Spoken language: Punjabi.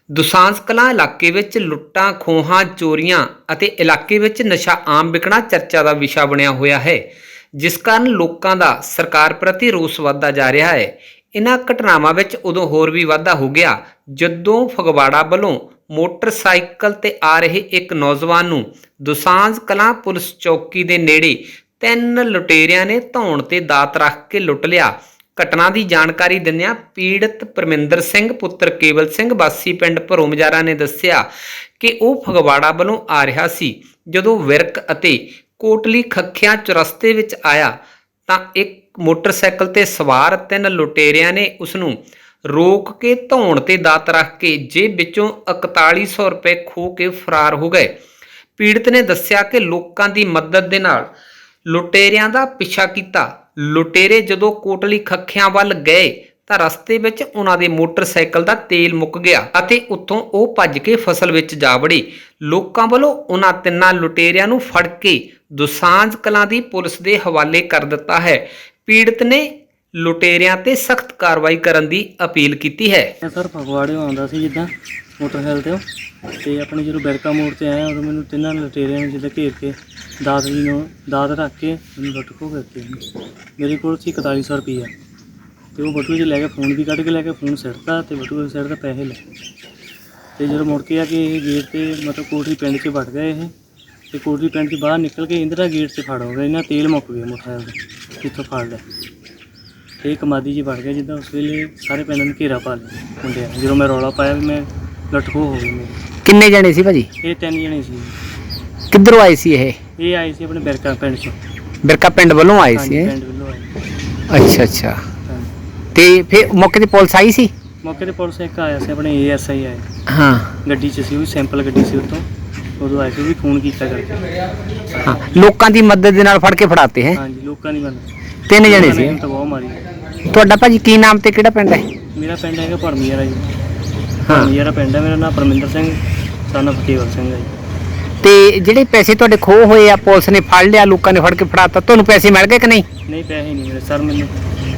ਦੁਸਾਂਝ ਕਲਾਂ ਇਲਾਕੇ ਵਿੱਚ ਲੁੱਟਾਂ ਖੋਹਾਂ ਚੋਰੀਆਂ ਅਤੇ ਇਲਾਕੇ ਵਿੱਚ ਨਸ਼ਾ ਆਮ ਵਿਕਣਾ ਚਰਚਾ ਦਾ ਵਿਸ਼ਾ ਬਣਿਆ ਹੋਇਆ ਹੈ, ਜਿਸ ਕਾਰਨ ਲੋਕਾਂ ਦਾ ਸਰਕਾਰ ਪ੍ਰਤੀ ਰੋਸ ਵੱਧਦਾ ਜਾ ਰਿਹਾ ਹੈ। ਇਨ੍ਹਾਂ ਘਟਨਾਵਾਂ ਵਿੱਚ ਉਦੋਂ ਹੋਰ ਵੀ ਵਾਧਾ ਹੋ ਗਿਆ ਜਦੋਂ ਫਗਵਾੜਾ ਵੱਲੋਂ ਮੋਟਰਸਾਈਕਲ ਤੇ ਆ ਰਹੇ ਇੱਕ ਨੌਜਵਾਨ ਨੂੰ ਦੁਸਾਂਝ ਕਲਾਂ ਪੁਲਿਸ ਚੌਕੀ ਦੇ ਨੇੜੇ 3 ਲੁਟੇਰਿਆਂ ਨੇ ਧੌਣ ਤੇ ਦਾਤ ਰੱਖ ਕੇ ਲੁੱਟ ਲਿਆ। ਘਟਨਾ ਦੀ ਜਾਣਕਾਰੀ ਦਿੰਦਿਆਂ ਪੀੜਤ ਪਰਮਿੰਦਰ ਸਿੰਘ ਪੁੱਤਰ ਕੇਵਲ ਸਿੰਘ ਵਾਸੀ ਪਿੰਡ ਭਰੋਮਜਾਰਾ ਨੇ ਦੱਸਿਆ ਕਿ ਉਹ ਫਗਵਾੜਾ ਵੱਲੋਂ ਆ ਰਿਹਾ ਸੀ। ਜਦੋਂ ਵਿਰਕ ਅਤੇ ਕੋਟਲੀ ਖੱਖਿਆਂ ਚੁਰਸਤੇ ਵਿੱਚ ਆਇਆ ਤਾਂ ਇੱਕ ਮੋਟਰਸਾਈਕਲ ਤੇ ਸਵਾਰ 3 ਲੁਟੇਰਿਆਂ ਨੇ ਉਸ ਨੂੰ ਰੋਕ ਕੇ ਧੌਣ ਤੇ ਦਾਤ ਰੱਖ ਕੇ ਜੇਬ ਵਿੱਚੋਂ 4100 ਰੁਪਏ ਖੋਹ ਕੇ ਫਰਾਰ ਹੋ ਗਏ। ਪੀੜਤ ਨੇ ਦੱਸਿਆ ਕਿ ਲੋਕਾਂ ਦੀ ਮਦਦ ਦੇ ਨਾਲ ਲੁਟੇਰਿਆਂ ਦਾ ਪਿੱਛਾ ਕੀਤਾ। ਲੁਟੇਰੇ ਜਦੋਂ ਕੋਟਲੀ ਖੱਖਿਆਂ ਵੱਲ ਗਏ ਤਾਂ ਰਸਤੇ ਵਿੱਚ ਉਹਨਾਂ ਦੇ ਮੋਟਰਸਾਈਕਲ ਦਾ ਤੇਲ ਮੁੱਕ ਗਿਆ ਅਤੇ ਉੱਥੋਂ ਉਹ ਭੱਜ ਕੇ ਫਸਲ ਵਿੱਚ ਜਾ ਵੜੇ। ਲੋਕਾਂ ਵੱਲੋਂ ਉਹਨਾਂ 3 ਲੁਟੇਰਿਆਂ ਨੂੰ ਫੜ ਕੇ ਦੁਸਾਂਝ ਕਲਾਂ ਦੀ ਪੁਲਿਸ ਦੇ ਹਵਾਲੇ ਕਰ ਦਿੱਤਾ ਹੈ। ਪੀੜਤ ਨੇ ਲੁਟੇਰਿਆਂ ਤੇ ਸਖਤ ਕਾਰਵਾਈ ਕਰਨ ਦੀ ਅਪੀਲ ਕੀਤੀ ਹੈ। ਸਰ ਫਗਵਾੜੇ ਆਉਂਦਾ ਸੀ ਜਿੱਦਾਂ ਮੋਟਰਸਾਈਕਲ ਤੇ ਆਪਣੇ ਜਦੋਂ ਬੈਰਕਾ ਮੋੜ ਤੇ ਆਇਆ ਉਦੋਂ ਮੈਨੂੰ 3 ਲੁਟੇਰਿਆਂ ਨੇ ਜਿੱਦਾਂ ਘੇਰ ਕੇ ਦਾਤ ਰੱਖ ਕੇ ਮੈਨੂੰ ਲੁੱਟ ਖੋਹ ਕਰਕੇ ਮੇਰੇ ਕੋਲ ਸੀ 4100 ਰੁਪਈਆ ਤੇ ਉਹ ਬਟੂਏ 'ਚ ਲੈ ਕੇ ਫੋਨ ਵੀ ਕੱਢ ਕੇ ਲੈ ਕੇ ਫੋਨ ਸਿੱਟਤਾ ਤੇ ਬਟੂਏ ਸਿਰ ਦਾ ਪੈਸੇ ਲੈ ਤੇ ਜਦੋਂ ਮੁੜ ਕੇ ਆ ਕੇ ਇਹ ਗੇਟ ਤੇ ਮਤਲਬ ਕੋਟਲੀ ਪਿੰਡ 'ਚ ਵੜ ਗਏ ਇਹ ਤੇ ਕੋਟਲੀ ਪਿੰਡ 'ਚ ਬਾਹਰ ਨਿਕਲ ਕੇ ਇੰਦਰਾ ਗੇਟ 'ਚ ਫੜ ਹੋ ਗਏ। ਇਹਨਾਂ ਤੇਲ ਮੁੱਕ ਗਿਆ ਮੋਟਰਸਾਈਕਲ ਦਾ ਜਿੱਥੋਂ ਫੜ ਲਿਆ ਤੇ ਕਮਾਦੀ 'ਚ ਵੜ ਗਿਆ। ਜਿੱਦਾਂ ਉਸ ਵੇਲੇ ਸਾਰੇ ਪਿੰਡ ਨੂੰ ਘੇਰਾ ਪਾ ਲਿਆ ਮੁੰਡਿਆਂ ਨੇ। ਜਦੋਂ ਮੈਂ ਰੌਲਾ ਪਾਇਆ ਵੀ ਮੈਂ ਲੁੱਟ ਖੋਹ ਹੋ ਗਈ ਮੇਰੀ। ਕਿੰਨੇ ਜਣੇ ਸੀ ਭਾਜੀ? ਇਹ 3 ਜਣੇ ਸੀ। ਕਿੱਧਰੋਂ ਆਏ ਸੀ ਇਹ ਆਏ ਸੀ ਆਪਣੇ ਬਿਰਕਾ ਪਿੰਡ 'ਚੋਂ। ਬਿਰਕਾ ਪਿੰਡ ਵੱਲੋਂ ਆਏ ਹਾਂਜੀ, ਸੀ? ਪਿੰਡ ਵੱਲੋਂ ਆਏ। ਅੱਛਾ। ਹਾਂਜੀ। ਤੇ ਫਿਰ ਮੌਕੇ ਤੇ ਪੁਲਿਸ ਆਈ ਸੀ? ਮੌਕੇ ਤੇ ਪੁਲਿਸ ਇੱਕ ਆਇਆ ਸੀ ਆਪਣੇ ASI ਆਏ। ਹਾਂ। ਗੱਡੀ 'ਚ ਸੀ, ਉਹ ਵੀ ਸੈਂਪਲ ਗੱਡੀ ਸੀ ਉੱਥੋਂ। ਉਦੋਂ ਆਏ ਸੀ, ਉਹ ਵੀ ਫੋਨ ਕੀਤਾ ਕਰਕੇ। ਹਾਂ, ਲੋਕਾਂ ਦੀ ਮਦਦ ਦੇ ਨਾਲ ਫੜ ਕੇ ਫੜਾਤੇ ਹੈ? ਹਾਂਜੀ, ਲੋਕਾਂ ਦੀ ਮਦਦ। 3 ਜਣੇ ਸੀ? ਤਾਂ ਬਹੁਤ ਮਾਰੀ। ਤੁਹਾਡਾ ਭਾਜੀ ਕੀ ਨਾਮ ਤੇ ਕਿਹੜਾ ਪਿੰਡ ਹੈ? ਮੇਰਾ ਪਿੰਡ ਹੈਗਾ ਭਰਮੀਆਰਾ ਜੀ। ਭਰਮੀਆਰਾ ਪਿੰਡ ਹੈ। ਮੇਰਾ ਨਾਮ ਪਰਮਿੰਦਰ ਸਿੰਘ son of ਕੇਵਲ ਸਿੰਘ ਹੈ ਜੀ। ਤੇ ਜਿਹੜੇ ਪੈਸੇ ਤੁਹਾਡੇ ਖੋਹ ਹੋਏ ਆ ਪੁਲਿਸ ਨੇ ਫੜ ਲਿਆ, ਲੋਕਾਂ ਨੇ ਫੜ ਕੇ ਫੜਾਤਾ, ਤੁਹਾਨੂੰ ਪੈਸੇ ਮਿਲ ਗਏ ਕਿ ਨਹੀਂ? ਨਹੀਂ, ਪੈਸੇ ਨਹੀਂ ਮਿਲੇ ਸਰ ਮੈਨੂੰ।